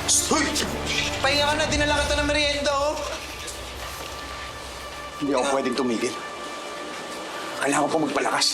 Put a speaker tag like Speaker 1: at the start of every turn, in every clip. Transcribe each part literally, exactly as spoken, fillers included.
Speaker 1: Hoy! Pahinga ka na, dinala kita ng merienda, oh.
Speaker 2: Hindi ako pwedeng tumigil. Kailangan ko pa magpalakas.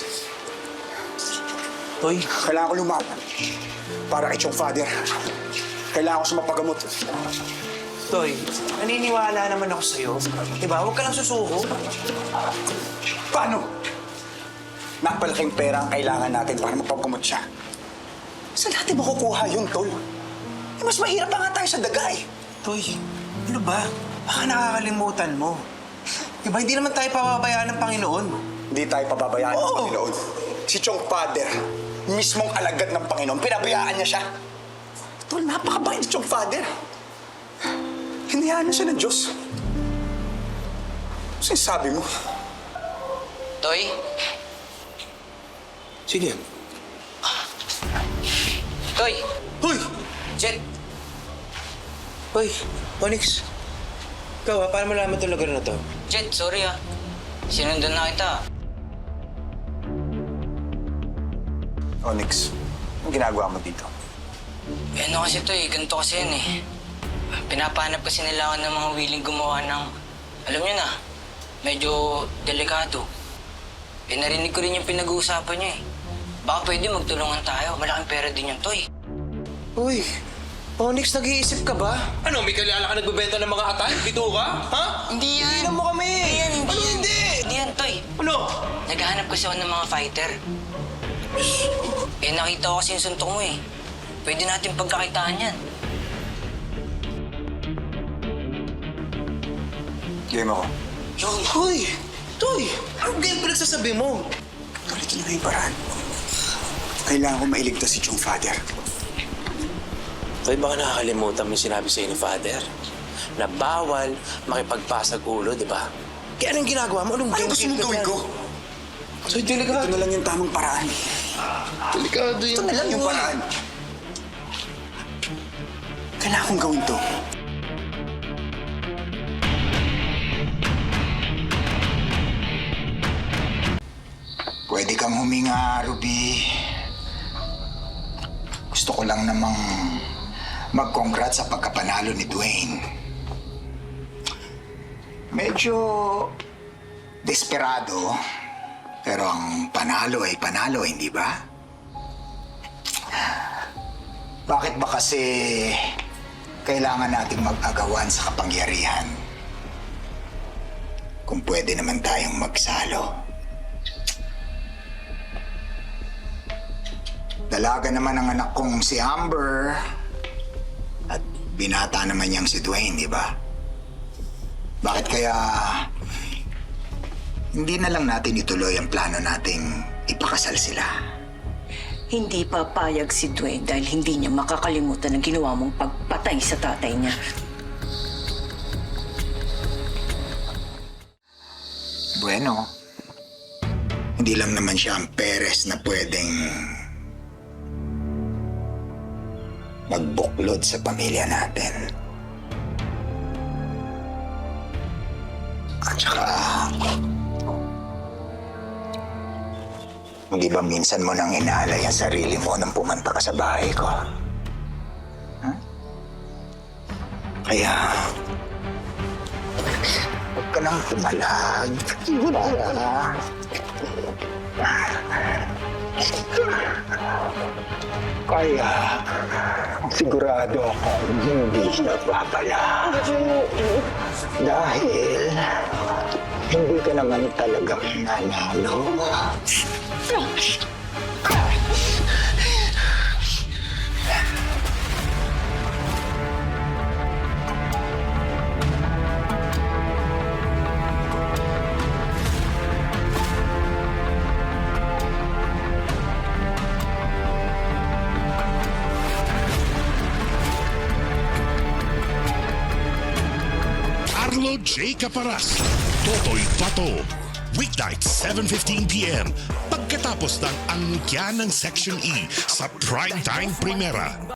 Speaker 1: Toy,
Speaker 2: Kailangan ko lumaban. Para kay Chong Father. Kailangan ko sumapagamot.
Speaker 1: Toy, naniniwala naman ako sa'yo. Diba? Huwag ka lang susuko.
Speaker 2: Paano? Napalaking pera ang kailangan natin para mapagamot siya. Saan natin makukuha yun, Tol? Eh, mas mahirap pa nga tayo sa daga eh.
Speaker 1: Toy, ano ba? Baka nakakalimutan mo. Diba, hindi naman tayo pababayaan ng Panginoon.
Speaker 2: Hindi tayo pababayaan ng
Speaker 1: Oo.
Speaker 2: Panginoon. Si Chong Father, mismong alagad ng Panginoon, pinabayaan niya siya. Tol, napakabait ni Chong Father. Hinayaan na siya ng Diyos. Ano sinasabi mo?
Speaker 3: Toy?
Speaker 1: Sige.
Speaker 3: Toy!
Speaker 1: Hoy!
Speaker 3: Jet!
Speaker 1: Hoy, Onyx. Ikaw ha, paano mo naman itong lugar na to?
Speaker 3: Jet, sorry ah. Sinundan na kita.
Speaker 2: Onyx, anong ginagawa mo dito?
Speaker 3: Eh ano kasi Toy, ganito kasi yan eh. Pinapahanap kasi nila ako ng mga willing gumawa ng... Alam niyo na, medyo delikado. Eh narinig ko rin yung pinag-uusapan niyo eh. Baka pwede magtulungan tayo. Malaking pera din yung Toy.
Speaker 1: Uy, Onyx, nag-iisip ka ba? Ano, may kilala ka nagbebenta ng mga atay? Bito ka? Ha?
Speaker 3: Hindi yan!
Speaker 1: Tingnan mo kami!
Speaker 3: Hindi yan, hindi
Speaker 1: Ano
Speaker 3: yan.
Speaker 1: hindi?
Speaker 3: Hindi yan, Toy.
Speaker 1: Ano?
Speaker 3: Naghahanap kasi ako ng mga fighter. Eh nakita ko kasi yung suntok mo eh. Pwede natin pagkakitaan yan.
Speaker 2: Game ako.
Speaker 1: Yung, Hoy! Toy! Anong game pinagsasabi mo?
Speaker 2: Tuloy ito na yung paraan. Kailangan ko mailigtas si Chong Father.
Speaker 4: Toy, baka nakakalimutan mo yung sinabi sa'yo ni Father na bawal makipagpasag ulo, di ba?
Speaker 1: Kaya anong ginagawa mo? Anong
Speaker 2: Ano
Speaker 1: game
Speaker 2: gusto mong
Speaker 1: game
Speaker 2: gawin
Speaker 1: yan?
Speaker 2: ko?
Speaker 1: So, delikado.
Speaker 2: Ito na lang yung tamang paraan.
Speaker 1: Delikado yun.
Speaker 2: Ito na lang yung paraan. Kailangan kong gawin to. Pwede kang huminga, Ruby. Gusto ko lang namang mag-congrats sa pagkapanalo ni Dwayne. Medyo desperado, pero ang panalo ay panalo, hindi ba? Bakit ba kasi kailangan nating mag-agawan sa kapangyarihan? Kung pwede naman tayong magsalo. Dalaga naman ang anak kong si Amber. At binata naman niyang si Dwayne, di ba? Bakit kaya hindi na lang natin ituloy ang plano nating ipakasal sila?
Speaker 5: Hindi papayag si Dwayne dahil hindi niya makakalimutan ang ginawa mong pagpatay sa tatay niya.
Speaker 2: Bueno, hindi lang naman siya ang Perez na pwedeng magbuklod sa pamilya natin. At saka, hindi ba minsan mo nang inaalay ang sarili mo nang pumunta ka sa bahay ko? Huh? Kaya, huwag ka nang tumalag. Wala. Kaya, sigurado ako hindi siya babala. Dahil, hindi ka naman talagang nanalo.
Speaker 6: Arlo J. Caparas, Totoy Pato. Weeknight, seven fifteen p m Pagkatapos ng angkya ng Section E sa Primetime Primera.